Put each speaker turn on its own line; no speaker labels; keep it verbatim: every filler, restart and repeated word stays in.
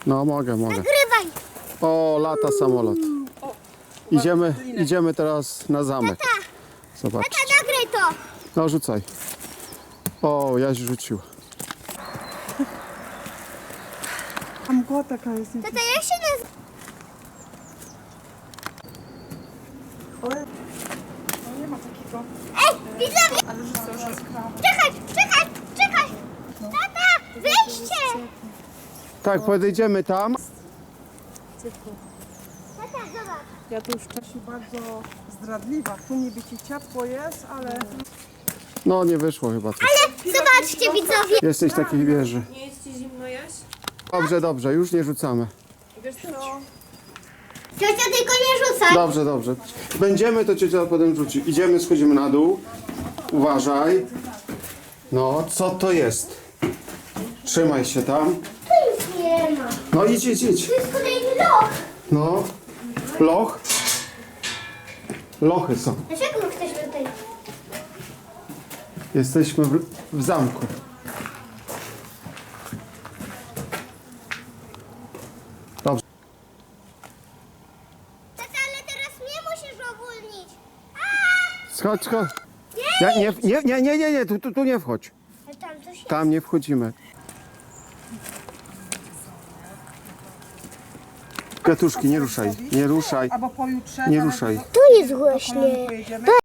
No mogę, mogę.
Nagrywaj.
O, lata samolot. Idziemy, idziemy teraz na zamek. Zobacz.
Tata, nagraj to.
No rzucaj. O, Jaś rzucił.
A mgła taka jest.
Tata, jak się nazywa?
No nie ma takiego.
Ej, widzowie!
Ale że to już jest krawa.
Czekaj, czekaj, czekaj. Tata, wyjście.
Tak, podejdziemy tam.
Tata, zobacz.
Ja tu już wcześniej bardzo zdradliwa. Tu niby ci ciepło jest, ale...
No nie wyszło chyba coś.
Ale zobaczcie, widzowie.
Jesteś w takiej wieży.
Nie jest ci zimno, Jaś?
Dobrze, dobrze, już nie rzucamy.
Wiesz co?
Ciocia, tylko nie rzucaj.
Dobrze, dobrze. Będziemy, to ciocia potem rzuci. Idziemy, schodzimy na dół. Uważaj. No, co to jest? Trzymaj się tam.
Tu już nie ma.
No idź, idź, idź.
To jest kolejny loch.
No. Loch. Lochy są.
Dlaczego my jesteśmy tutaj?
Jesteśmy w, w zamku. Dobrze.
Tata, ale teraz mnie musisz ogólnić.
Schodź, schodź. Ja, nie, nie, nie, nie, nie, nie, tu, tu, tu nie wchodź.
A tam coś jest.
Tam nie wchodzimy. Kwiatuszki, nie ruszaj, nie ruszaj.
Albo pojutrze.
Nie
zaraz
ruszaj.
do-
Tu jest
do
właśnie.
Kolonii pojedziemy.